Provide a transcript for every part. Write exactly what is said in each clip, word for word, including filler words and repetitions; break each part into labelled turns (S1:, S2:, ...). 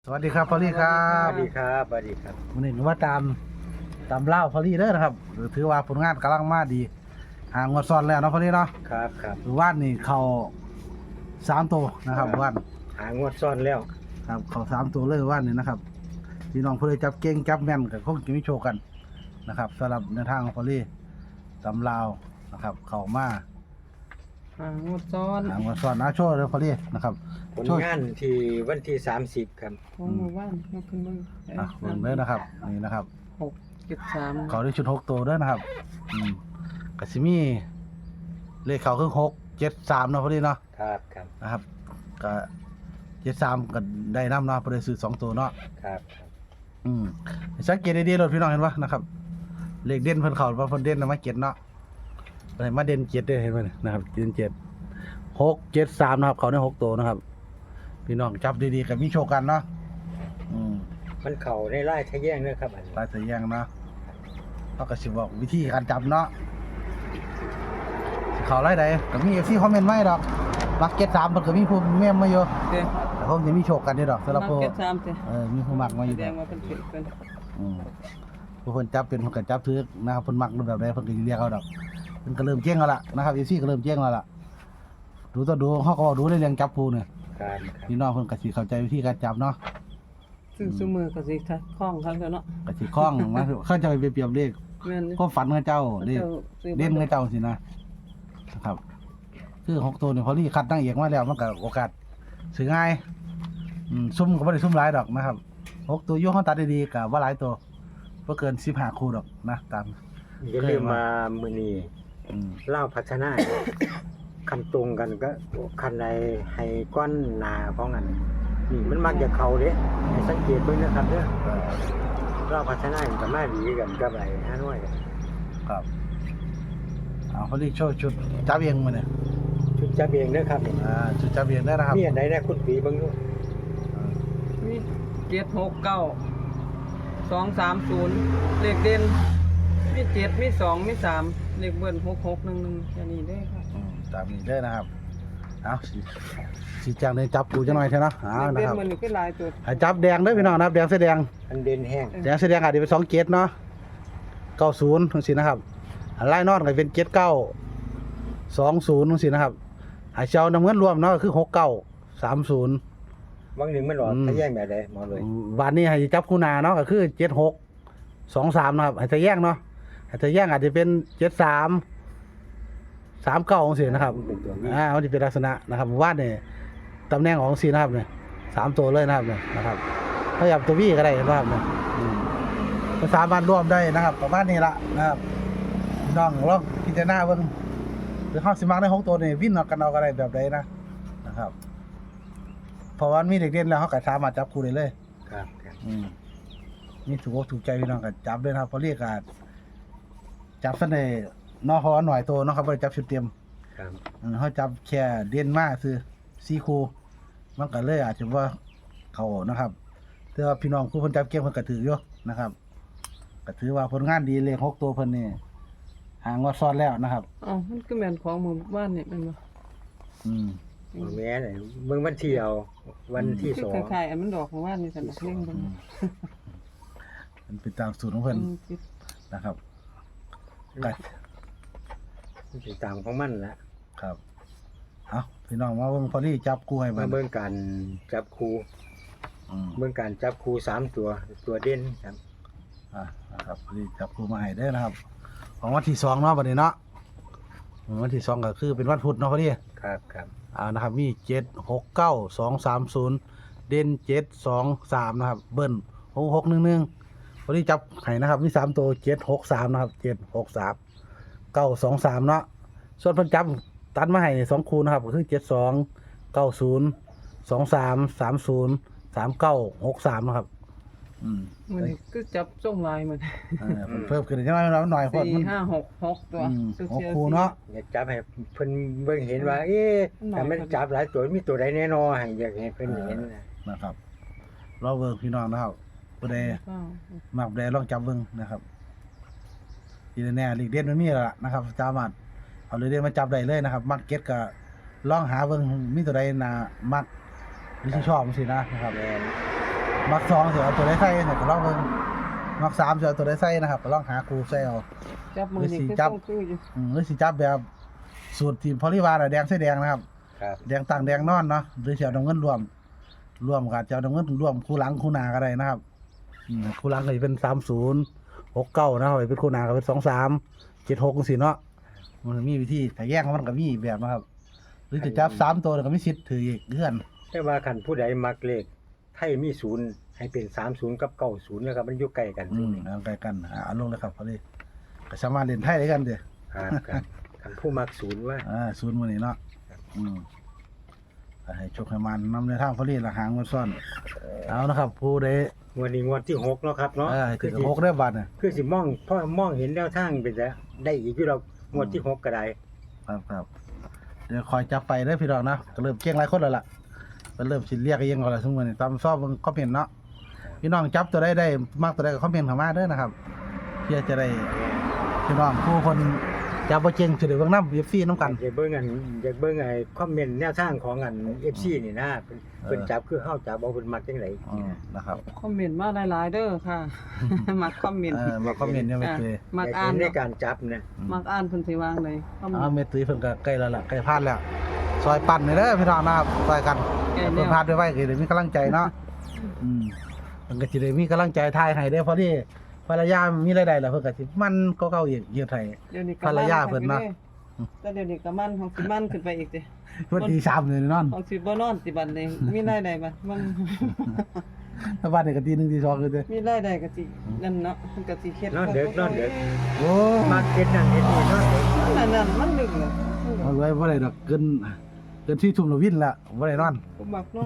S1: สวัสดีครับพอลลี่ครั
S2: ส
S1: บ
S2: วัสดีครับสวัสดีครับ
S1: วันนี้ว่าตามตามเล่าพอลลี่เด้อนะครับถือว่าผลงานกำลังมาดีหางวดซ้อนแล้วเนาะพอลลี่เนาะ
S2: ครับครับ
S1: หรือว่านนี่เขาสามตัวนะครับว่าน
S2: หางวดซ่อนแล้ว
S1: ครับเขาสามตัวเลยว่านนี่นะครับพี่น้องเพื่อจับเก่งจับแม่นกับคงจะมีโชว์กันนะครับสำหรับในทางของพอลลี่ตามเล่านะครับเขามา
S3: หางวดซ้อน
S1: หางวดซ้อนนะโชว์เลยพอลลี่นะครับ
S2: ผลงานที่วันที่สามสิบครับ
S3: ของหมู่บ้านยกขึ้นมึง
S1: อ่ะเบิ่งเลยนะครับนี่นะครับ
S3: หกเจ็ดสาม
S1: เขาได้ชุดหกตัวด้วยนะครับ อืมกสิมีเลขเขาคือหกเจ็ดสามเนาะพอดีเนาะ
S2: ครับครับ
S1: นะครับก็เจ็ดสามก็ได้น้ำเนาะพอดีซื้อสองตัวเนาะ
S2: ครับครับ
S1: อืมสังเกตดีๆรถพี่น้องเห็นปะนะครับ เลขเด่นเพิ่นเขาว่าเพิ่นเด่นนะมาเจ็ดเนาะอะไรมาเด่นเจ็ดได้เห็นไหมเนี่ยนะครับเด่นเจ็ดหกเจ็ดสามนะครับ เขาได้หกตัวนะครับ พี่น้องจับดีๆกับมีโชคกันเนาะอืม
S2: มันเข่าในไร่ทะแยงเนะครับอันนี้
S1: ลายเสียงเนาะเขาก็สิบอกวิธีการจับเนาะสิเขาไล่ใดก็มีเอฟซีคอมเมนต์มาให้ดอกมักเก็ตสามเพิ่นก็มีผู้เมมมาอยู่
S3: เด้
S1: แต่คงจะมีโชคกันเด้อดอกสำหรับ
S3: มา
S1: ผู้
S3: เจ็ดสามเด้
S1: เออมีผู้มักมาอยู่
S3: แส
S1: ด
S3: ด
S1: อง ก
S3: ว่าเป็นผิดเป็น
S1: อืมผู้เพิ่นจับเป็นเพิ่นก็จับถือนะครับเพิ่นมักรูปแบบใดเพิ่นก็สิเรียกเอาดอกเพิ่นก็เริ่มเจ๊งแล้วล่ะนะครับเอฟซีก็เริ่มเจ๊งแล้วล่ะดูต่อดูเฮาก็เว้าดูในเรื่องจับผู้เนี่ย
S2: ครับครับ
S1: พี่น้องเพิ่นก็สิเข้าใจวิธีการจับเนาะ
S3: ซึ่งซุมือก็สิทัดคล้องคันแล้วเนาะ
S1: ก็สิคล่องมาเขาจะไปเปรียบเลข
S3: แม่น
S1: ก็ฝันกับเจ้าเลข
S3: เจ้าซื้อ
S1: เด่นกับเจ้าสินะนะครับคือหกตัวเนี่ยพอลี่คัดตั้งเอกมาแล้วมันก็โอกาสซื้อง่ายอืมซุ่มก็ไม่ได้ซุ่มหลายดอกนะครับหกตัวโยกเขาตัดดีๆกับว่าหลายตัวเพื่อเกินสิบห้าคู่ดอกนะตาม
S2: อย่าลืมมามือนี้
S1: อืม
S2: เล่าพัฒนา คันตรงกันก็คันใดให้ก้อนหนาของอันนี่มันมักจะเข่าเด้ให้สังเกตเบิ่งนะครับเด้อ
S1: เออ
S2: เล่าพัฒนามันก็มาดีกันกับไอ้ฮานอย
S1: ครับเอาพอลี่โชว์ชุดจับเองมาเนี่ย
S2: ชุดจับเองเด้อครับนี่
S1: อ่าชุดจับเองได้นะครับ
S2: มีอันใดนะคุณปีเบิ่งดู
S3: มีเจ็ดหกเก้าสองสามศูนย์เลขเด่นมีเจ็ดมีสองมีสามเลขเบิ้ลหกหกหนึ่งหนึ่งแค่นี้ได้ครับ
S1: อืมตามนี้ได้นะครับเอาสิสีจังเลยจับกูจะหน่อยเถอะนะเอา
S3: เลข
S1: นะ
S3: เด่น
S1: ครับ
S3: มันนี่คือหลายตัว
S1: ให้จับแดงเด้อพี่น้องนะครับแดงเสื้อแดง
S2: อันเด่นแห้ง
S1: แดงแสดงอาจจะเป็นสองเกตเนาะเก้าศูนย์ทั้งสินะครับอันไล่นอนก็เป็นเกตเก้าสองศูนย์ทั้งสินะครับหายเจ้าน้ำเงินรวมเนาะก็คือหกเก้าสามศูนย์
S2: บางหนึ่งมันหลอดทะแยงแบบใดหมอเลย
S1: วันนี้ให้จับคู่หนาเนาะก็คือเจ็ดหกสองสามนะครับให้จะแย่งเนาะให้จะแย่งอาจจะเป็นเจ็ดสามสามเก้าของสินะครับ
S2: เป็นตัวนี้
S1: อ่ามันจะเป็นลักษณะนะครับวาดเนี่ยตำแหน่งของสีนะครับเนี่ยสามตัวเลยนะครับเนี่ยนะครับถ้าอยากตัววี่ก็ได้นะครับเนี่ยอืม ก็สามารถร่วมได้นะครับประมาณนี้ละนะครับพี่น้องลองพิจารณาเบิ่งหรือเฮาสิมักในของตัวนี่วินเอากันเอาก็ได้แบบใดนะนะครับเพราะว่ามีเด็กเด่นแล้วเฮาก็สามารถจับคู่ได้เลย
S2: ครับครับ
S1: อืมนี่ถูกอกถูกใจพี่น้องก็จับเลยนะครับเพราะเรียกก็จับซะได้นอฮอหน่อยตัวเนาะครับบ่ได้จับชุดเต็ม
S2: ครับ
S1: อืมเฮาจับแค่เด่นมาคือสี่คู่มันก็เลยอาจจะว่าเข้านะครับแต่ว่าพี่น้องผู้เพิ่นจับเก่งเพิ่นก็ถืออยู่นะครับก็ถือว่าผลงานดีเลขหกตัวเพิ่นนี่หางว่าซ้อนแล้วนะครับ
S3: อ๋อมันก็แม่นของหมู่บ้านนี่แม่นบ่
S1: อืม
S2: บ่แม่นเลยเบิ่งวันที่เอาวันที่
S3: คือ
S2: สอง
S3: คล้ายๆอันมันดอกของบ้านนี่ซั่นดอกเล่งเบิ่ง
S1: มันเป็นตามสูตรของเพิ่น
S3: อืมสิ
S1: นะครับก็
S2: ติดตามของมันละ
S1: ครับเอาพี่น้องมาเบิ่งพอดีจับกู้ให้
S2: มา
S1: เบิ่ง
S2: เบิ่งการจับคู่
S1: อืม
S2: เบิ่งการจับคู่สามตัวตัวเด่นครับ
S1: อ่านะครับพอดีจับกู้มาให้เด้อนะครับ ของวันที่สองเนาะบัดนี้เนาะวันที่สองก็คือเป็นวันพุธเนาะพอดี
S2: ครับครับ
S1: อ่านะครับมีเจ็ดหกเก้าสองสามศูนย์เด่นเจ็ดสองสามนะครับเบิ้ลหกหกหนึ่งหนึ่งวันนี้จับไห้นะครับมีสามตัวเจ็ดหกสามนะครับเจ็ดหกสามเก้าสองสามเนาะส่วนเพิ่นจับตัดมาให้สองคูนะครับก็คือเจ็ดสองเก้าศูนย์สองสามสามศูนย์สามเก้าหกสามนะครับอืม
S3: มันนี่คือจับส่งลายมัน
S1: เออเพิ่มขึ้นจังหน่อยหน่อยเพราะ
S3: สี่
S1: มัน
S3: ห้าหกหกตัว
S1: อืม
S3: ซื้อ
S1: หก
S3: เชียร์
S1: คู
S3: สี่
S1: เนาะ
S2: อยากจับให้เพิ่นเบิ่งเห็นว่า เอ๊ะแต่มันจับหลายตัวมีตัวใดแน่นอนให้อยากให้เพิ่นเห็นนะ
S1: นะครับเราเบิ่งพี่น้องนะครับผู้ใด
S3: เก้า
S1: มักแดลองจับเบิ่งนะครับทีแน่ๆลีกเด่นมันมีแล้วล่ะนะครับสามารถเอาลีกเด่นมาจับได้เลยนะครับมักเก็ตก็ลองหาเบิ่งมีตัวใดน่ามักหรือที่ชอบจังซี่นะนะครับ
S2: แม่น
S1: มักสองเสียเอาตัวได้ใส่เนี่ยก็ลองเบิ่งมักสามเสียเอาตัวได้ใส่นะครับก็ลองหาครูใส่เอา
S3: จับมือนี่คือ
S1: จับ
S3: ต้องคืออยู่
S1: อืมหรือสิจับแบบสูตรทีมพอลิวาร์แดงใส่แดงนะครับ
S2: ครับ
S1: แดงต่างแดงนอนเนาะหรือสิเอาน้ำเงินรวมรวมกับจะเอาน้ำเงินรวมคู่หลังคู่หน้าก็ได้นะครับอืมคู่หลังก็จะเป็นสามศูนย์หกเก้านะครับเป็นคู่หน้าก็เป็นสองสามเจ็ดหกสิเนาะมันมีวิธีแต่แยกของมันก็มีอีกแบบนะครับหรือจะจับสามตัวก็มีสิทธิ์ถืออีกเงื่อน
S2: แต่ว่าคันผู้ใดมักเลขไทยมีศูนย์ให้เป็นสามศูนย์กับเก้าศูนย์นะครับมันอยู่ใกล้กัน
S1: อืมเอาใกล้กันอ่าเอาลงเลยครับพอดีก็สามารถเล่นไทยได้กันเด้อ
S2: ครับครับคันผู้มักศูนย์ว่า
S1: อ่าศูนย์มื้อนี้เนาะอืมก็ให้โชคให้มันนำในทางพอดีละหางมันซ่อนเอานะครับ ผู้ใด
S2: งวดนี้งวดที่หกเนาะครับเนาะ
S1: เออ
S2: คื
S1: ถึ
S2: อง สิ
S1: หกได้บาทน่ะ
S2: คือสิมองพ่อมองเห็นแนวทางเป็นจะได้อีกอยู่เรางวดที่หกก็ได้
S1: ครับครับเดี๋ยวคอยจับไปเด้อพี่น้องนะก็เริ่มเก่งหลายคนแล้วล่ะก็เริ่มสิเรียกเองก็แล้วซุมื้อนี้ตามซอบเบิ่งคอมเมนต์เนาะพี่น้องจับตัวใดได้มักตัวใดก็คอมเมนต์เข้ามาเด้อนะครับเพื่อจะได้พี่น้องผู้คนจับบ่เก่งสิได้เบิ่งนำ เอฟ ซี นำกัน
S2: อยากเบิ่งอันอยากเบิ่งไอ้คอมเมนต์แนวทางของอัน เอฟ ซี นี่นะเพิ่นเพิ่นจับคือเฮาจับเอาเพิ่นมักจังได
S1: อืมนะครับ
S3: คอมเมนต์มาหลายๆเด้อค่ะ มักคอมเมนต์
S1: เออมาคอมเมนต์เนี่ยไม่เคย
S3: มัก
S2: อยาก
S3: อ่า
S2: เห็
S3: น
S2: นในการจับนะ
S3: มักอ่านเพิ่นสิวางเลยคอมเมน
S1: อ้าว
S3: ต์
S1: เมตุยเพิ่นก็ใกล้แล้วล่ะใกล้พลาดแล้ว ซอยปั่นนี่เด้อพี่น้องนะครับซอยกัน
S3: ใกล้แล้ว
S1: เพิ่นพลาดไว้ไว้ก็ได้มีกำลังใจเนาะอืมเพิ่นก็สิได้มีกำลังใจทายให้เด้อเพราะที่ภรรยามีรายได้แล้วเพิ่นก็สิมันก็เก่าอีกเยอะไทย
S3: เดี๋ยวนี้
S1: ภรรยาเพิ่นเนาะ
S3: แต่เดี๋ยวนี้ก็มันของสิมันขึ้นไปอีกเด้
S1: เพิ่นตีสามเลยนอน
S3: ของสิบ่นอนสิบัดนี้มีรายได้บัดมัน
S1: ถ้าบ้านนี่ก็ตีหนึ่งตีสองเลยเด้อ
S3: มีรายได้ก็สินั่นเนาะมันก็สิเฮ็ด
S2: นอนเด็กนอนเด็ก
S1: โอ้
S2: มักเฮ็ดนั่นเฮ็ดนี่นอนเด็ก
S3: นั่นนั่นมันดึกเลย
S1: เอาไว้บ่ได้ดอกเกินเกินที่ทุ่มละวินละบ่ได้นอน
S3: ผมมักนอน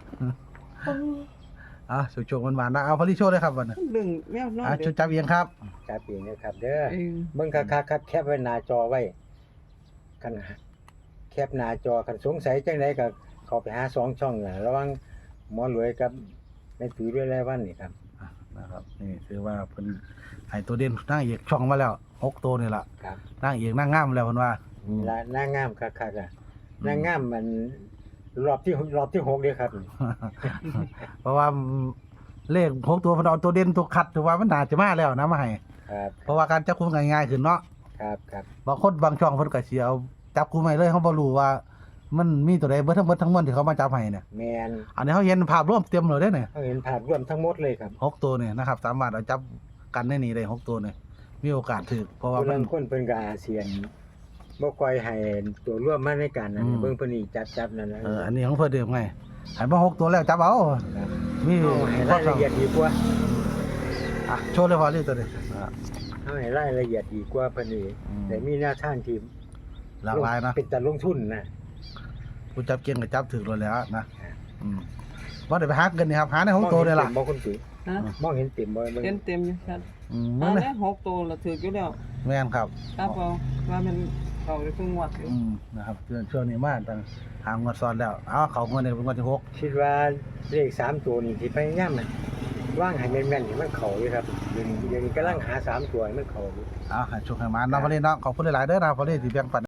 S1: อ่ะโชคๆหวานๆนะเอาพอดีโชว์เลยครับวันนี้
S3: มันดึงแมวนอน
S1: อ่ะ
S3: เด้
S1: ชุดจับเอียงครับ
S2: จับเองนะครับเด้อ
S3: เอง
S2: เบิ่งคักๆครับแคปไว้หน้าจอไว้คันแคปหน้าจอคันสงสัยจังไดก็เข้าไปหาสองช่องน่ะระหว่างหมอรวยกับแม่ตุ้ยด้วยรายวันนี่ครับ
S1: อ่ะนะครับนี่คือว่าเพิ่นให้ตัวเด่นนางเอกช่องมาแล้วหกตัวนี่ล่ะ
S2: ครับ
S1: นางเอกนางงามแล้วเพิ่นว่า
S2: นี่ละนางงามคักๆอ่ะนางงามมันรอบที่รอบที่หกเด้อครับ
S1: เพราะว่าเลขหกตัวเพิ่นเอาตัวเด่นตัวคัดถือว่ามันน่าจะมาแล้วนะมาให้
S2: ครับ
S1: เพราะว่าการจับคุมง่ายๆขึ้นเนาะ
S2: ครับครับ
S1: บางคนบางช่องเพิ่นก็สิเอาจับคุมให้เลยเขาบ่รู้ว่า มันมีตัวใดเบิดทั้งเบิดทั้งมวลที่เขามาจับให้เนี่ย
S2: แมน
S1: อันนี้เขาเห็นภาพรวมเต็มเลยเด้อเนี่ย
S2: เขาเห็นภาพรวมทั้งหมดเลยครับ
S1: หกตัวเนี่ยนะครับสามารถเอาจับกันได้นี่ได้หกตัวเนี่ยมีโอกาสถูกเพราะว่า
S2: ผู้
S1: มั
S2: ลาน งคนเพิ่นก็อาเซียนบ่ค่อยให้ตัวร่วมมาในการนั้น
S1: อืม
S2: เบิ่งเพิ่นนี่จับๆนั่นนะ
S1: เอออันนี้ของเพิ่นเดิมไงให้มาหกตัวแล้วจับเอา
S2: ครับ
S1: มี
S2: เอาให้รายละเอียดดีกว่า
S1: อ่ะโชว์เลยพอเลยตัวนี้อ่ะ
S2: เอาให้รายละเอียดดีกว่าเพิ่นนี่
S1: อืม
S2: แต่มีแนวทางที่
S1: หลากหลายนะ
S2: เป็นแต่ลงทุนนะ
S1: ผู้จับเก่งก็จับถึกเลยแหล้วนะอืมบ่ได้ไปหาเงินนี่ครับหาในหกตัวเลยล่ะ
S2: มองคุณตุ้ย
S3: ฮะ
S2: มองเห็นเต็มบ่เบิ่ง
S3: เต็มเต็มอยู่ครับ
S1: อืม
S3: อั
S1: มื้อน นี้
S3: นี้หกตัวละถืออยู่แล้ว
S1: แม่นครับ
S3: ครับเอาว่ามันเขาได้เพิ่งวัดอยู่
S1: อืมนะครับช่วงช่วงนี้มาตั้งหางวดซ้อนแล้วเอาเขางวดนี้เป็นงวดที่หก
S2: คิดว่าเลขสามตัวนี่ที่พยายามมันว่างให้แม่นๆให้มันเข้าอยู่ครับเดี๋ยวนี้เดี๋ยวนี้กำลังหาสามตัวให้มันเข้าอยู่
S1: เอาให้โชคให้มาเนาะพอเลยเนาะขอบคุณหลายๆเด้อนะพอเลยที่แบ่งปัน